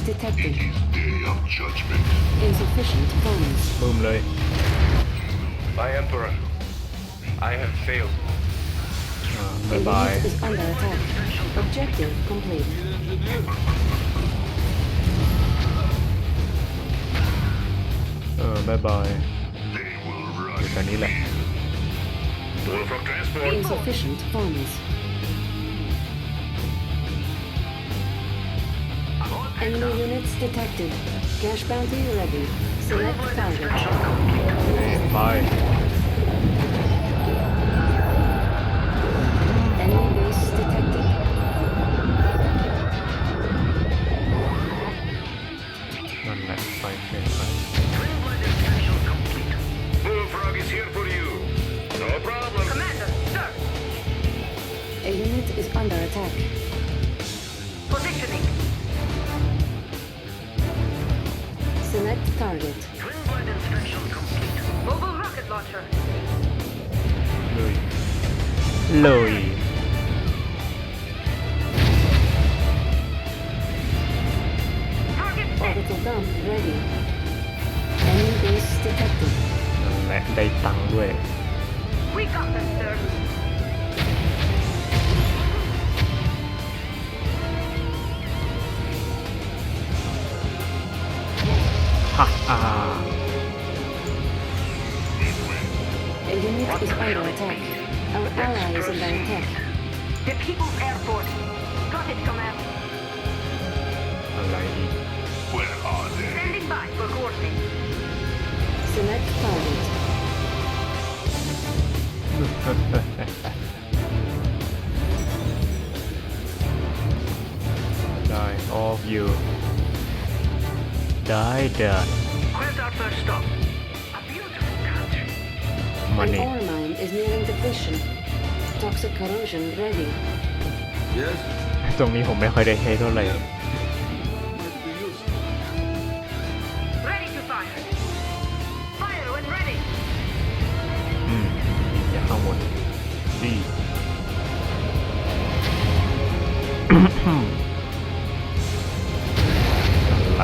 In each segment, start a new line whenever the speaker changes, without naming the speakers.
detected.
Day of judgment.
Insufficient funds.
บูมเลย
My Emperor, I have failed.
บายบาย
Unit is under attack. Objective complete.
บายบาย
They will
อยู่
run.
แถวนี้แหละ
Bullfrog transport.
Insufficient funds. Enemy units detected. Cash bounty ready. Select target.
ไป
Enemy base detected.
นั่นแหละไปเกินไป
Bullfrog is here for you. No problem.
Commander, sir.
A unit is under attack.
Positioning.
Select target.
Twin blade inspection complete. Mobile rocket launcher.
เลยเลย
Target set.
Orbital dump ready. Enemy base detected.
นั่นแหละได้ตังค์ด้วย
We got this, sir.
ฮ่าอ่า
A unit is under attack. Our ally is under attack.
The People's Air Force. Got it, command.
อะไรอีก
Where are they?
Standing by for coordinates.
Select target.
ได้ of you ได้เดิน
Where's our first stop? A beautiful country.
มา
An
นี่
ore mine is nearing depletion. Toxic corrosion ready.
ตรงนี้ผมไม่ค่อยได้ใช้เท่าไหร่
Ready to fire. Fire when ready.
อย่าเข้าหมดดีละ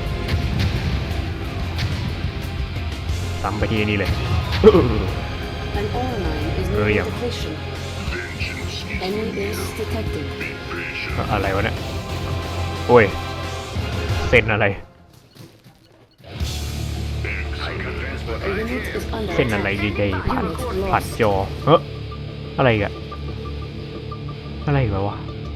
ตามไปที่นี่เลย
An ore mine is
Rồi
nearing
à?
depletion.
Vengeance is
Enemy
near.
base detected.
Be patient.
อะไรวะเนี่ย โอ้ย เส้นอะไร
A unit is under
เส้นอะไร
attack.
ดีๆผ่าน
Unit
ผ่าน
lost.
จออะไรอีกันอะไรอีกันวะ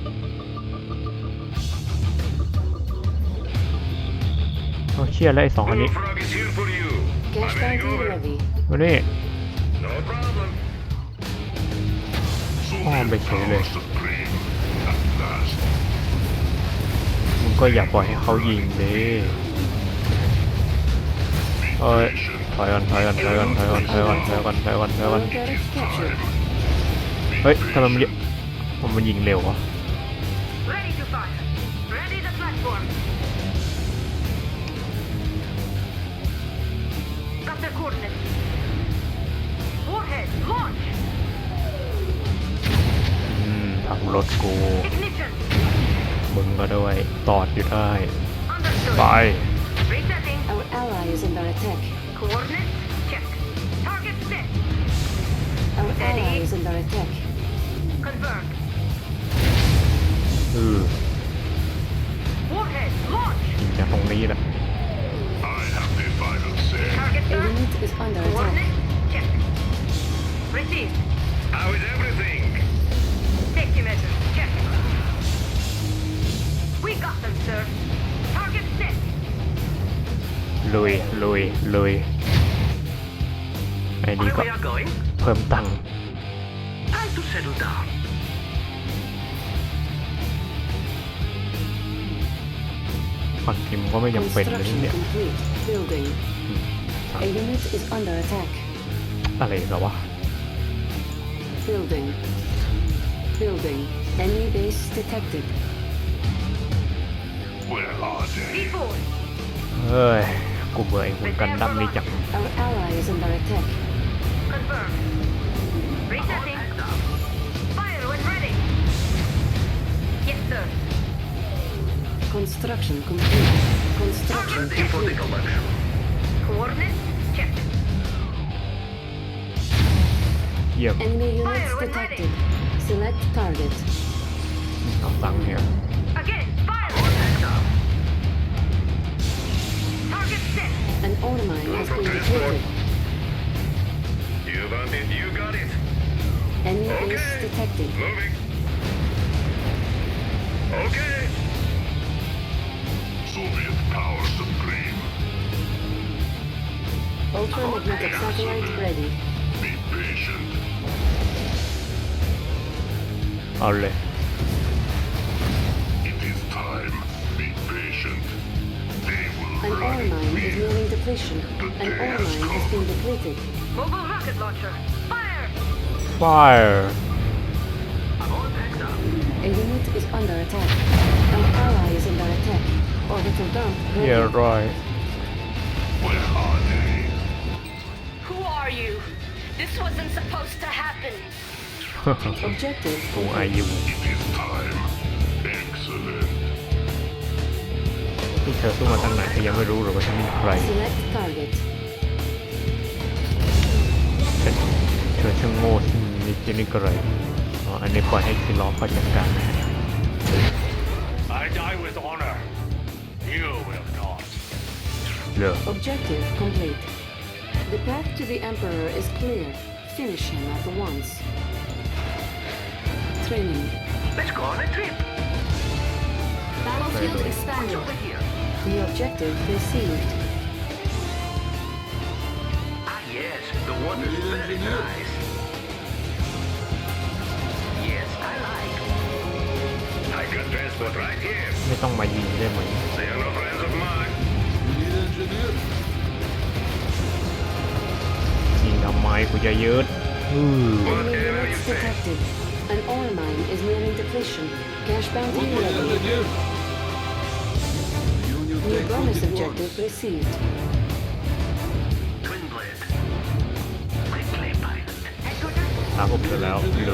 โอ้เชี่ยแล้วไอ้สองอันนี้
Bullfrog is here for you.
Cash
Moving
bounty
over.
ready.
มานี่
No problem.
อ้อมไปเฉยเลย
Supreme. At last.
มึงก็อย่าปล่อยให้เขายิงดิเอ้ยถอยก่อนถอยก่อนถอยก่อนถอยก่อนถอยก่อนถอยก่อนถอยก่อนถอยก่อน
Ore turret captured.
เฮ้ยทำไมมันยิงเร็ววะ
Ready to fire. Ready the platform. Got their coordinates. Warhead, launch.
ทำรถกู
Ignition.
มึงก็ด้วยตอดอยู่ได้
Understood.
ไป
Resetting.
Our ally is under attack.
Coordinates, check. Target set.
Our
Steady.
ally is under attack.
Confirmed.
ยิ
Warhead, launch.
งจากตรงนี้แหละ
I have the final say.
Target
A
sir.
unit is under attack.
Coordinates, check. Received.
How is everything?
Safety measures, check. We got them, sir. Target set.
ลุยลุยลุยไอ้นี่ก็
are going?
เพิ่มตังค์
Time to settle down.
ฝั่งทีมก็ไม่จำเป็นเลย
Construction
เนี่ย
complete. Building. A unit is under attack.
อะไรกันวะ
Building. Building. Enemy base detected.
Where are they?
Before.
เฮ้ย กูเบื่อไอ้หุ่นกันดั้มนี่จัง
Our ally is under attack.
Confirmed. Resetting. Fire when ready. Yes, sir.
Construction complete. Construction
Ready for the
complete.
collection.
Coordinates checked.
เยี่ยม
Enemy units
Fire when
detected. Select target.
เอาตังค์เนี่ย
Again, fire. Target set.
An ore mine has been depleted.
You want it, you got it.
Enemy base
Okay.
detected.
Moving. Okay.
Soviet power supreme.
Ultramagnetic satellite ready.
Be patient.
เอาเลย
It is time. Be patient. They will
An ore
run
mine is
me.
nearing depletion. An ore mine has been depleted.
Mobile rocket launcher. Fire.
Fire
A unit is under attack. An ally is under attack. Orbital dump ready.
yeah right
Where are they?
Who are you? This wasn't supposed to happen.
Objective
กูอายุ
It is time. Excellent.
ที่เธอสู้มาตั้งนานเธอยังไม่รู้หรอกว่าฉันเป็นใคร
select target.
ฉันเธอช่างโง่ที่นิดนิดก็เลยอ๋ออันนี้ปล่อยให้คิล้อเขาจัดการนะ
I die with honor. You will not.
เหรอ
Objective complete. The path to the Emperor is clear. Finish him at once. Training.
Let's go on a trip.
Battlefield expanded. New objective received.
Ah, yes. The water's very nice. Yes, I like. I can transport right here.
ไม่ต้องมายิงได้ไหม
They are no friends of mine.
ยิงทำไมกูจะยึด
Enemy units detected. An ore mine is nearing depletion. Cash bounty ready. New bonus objective received.
Twin blade. Quickly, pilot.
ตามผมเสร็จแล้วเลย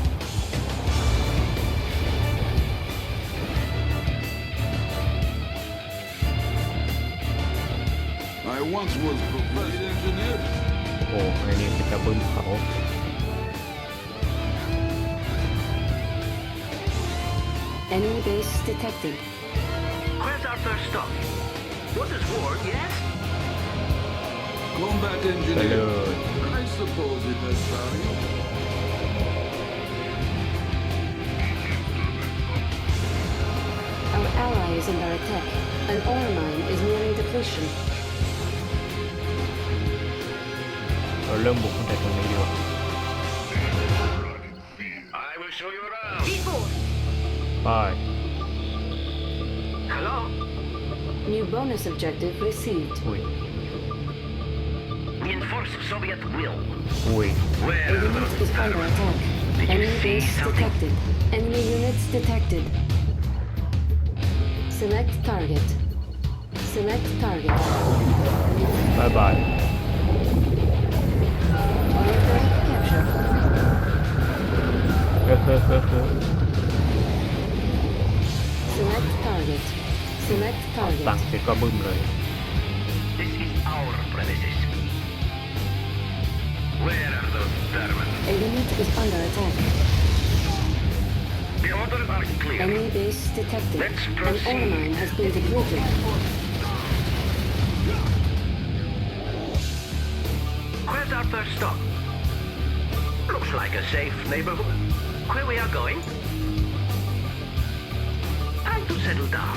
I once was professor engineer.
โอ้ไอ้นี่เป็นตะบึ้มเขา
Enemy base detected.
Where's our first stop? What is war, yes?
Combat
ไปเล
engineer.
ย
I suppose it has value.
Our ally is under attack. An ore mine is nearing depletion.
เราเริ่มบุกตั้งแต่ตรงนี้ดีกว่า
I will show you around.
D4.
ไป
Hello?
New bonus objective received.
อุ้ย
Enforce Soviet will.
อุ้ย
Where
A
are
unit
those
is under
Germans?
attack.
Did you
Enemy
see
base
something?
detected. Enemy units detected. Select target. Select target.
บายบาย
Order capture.
เฮ้อเฮ้อเฮ้อเฮ้อ
Select target. Select
สั่ง
target.
เสร็จก็บึ้มเลย
This is our premises. Where are those Germans?
A unit is under attack.
The orders are clear.
Enemy base detected.
Let's
An ore
proceed.
mine has been depleted.
Where's our first stop? Looks like a safe neighborhood. Where we are going? Time to settle down.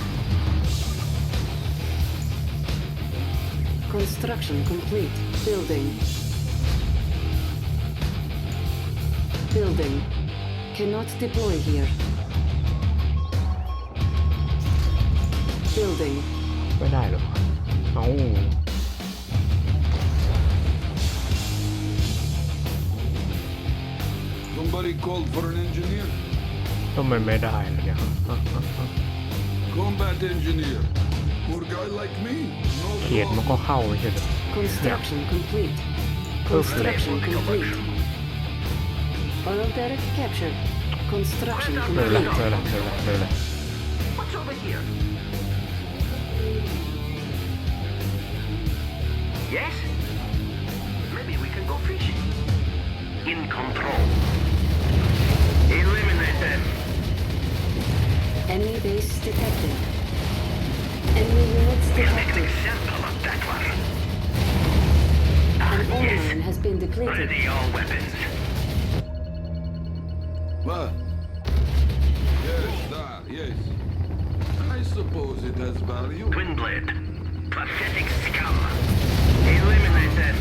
Construction complete. Building. Building. Cannot deploy here. Building.
ไม่ได้หรอเอ้า
Somebody called for an engineer.
ทำไมไม่ได้ล่ะเนี่ย
Combat engineer. Poor guy like me. No
เขียดมันก็เข้าไม่ใช่เหรอ
Construction complete.
Perfect.
Construction complete. Oil derrick captured. Construction
เลยละ
complete.
เลยละเลยละเลยละ
What's over here? Yes? Maybe we can go fishing. In control. Eliminate them.
Enemy base detected. Enemy units
We'll make an
detected.
example of that one.
An ore
Yes.
mine has been depleted.
Ready all weapons.
What? Yes, that, yes. I suppose it has value.
Twin blade. Pathetic scum. Eliminate them.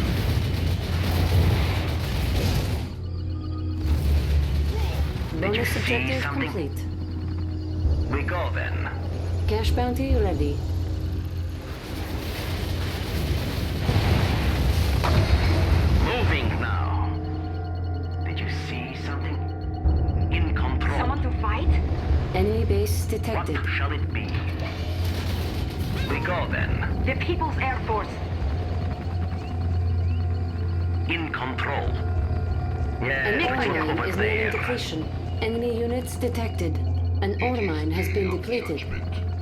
Did you
Bonus
see
objective
something?
complete.
We go then.
Cash bounty ready.
Moving now. Did you see something? In control.
Someone to fight?
Enemy base
What
detected.
shall it be? We go then.
The People's Air Force.
In control. Yeah,
An ore
look
mine
over
is nearing
there.
depletion. Enemy units detected. An ore mine has been
Of
depleted.
judgment.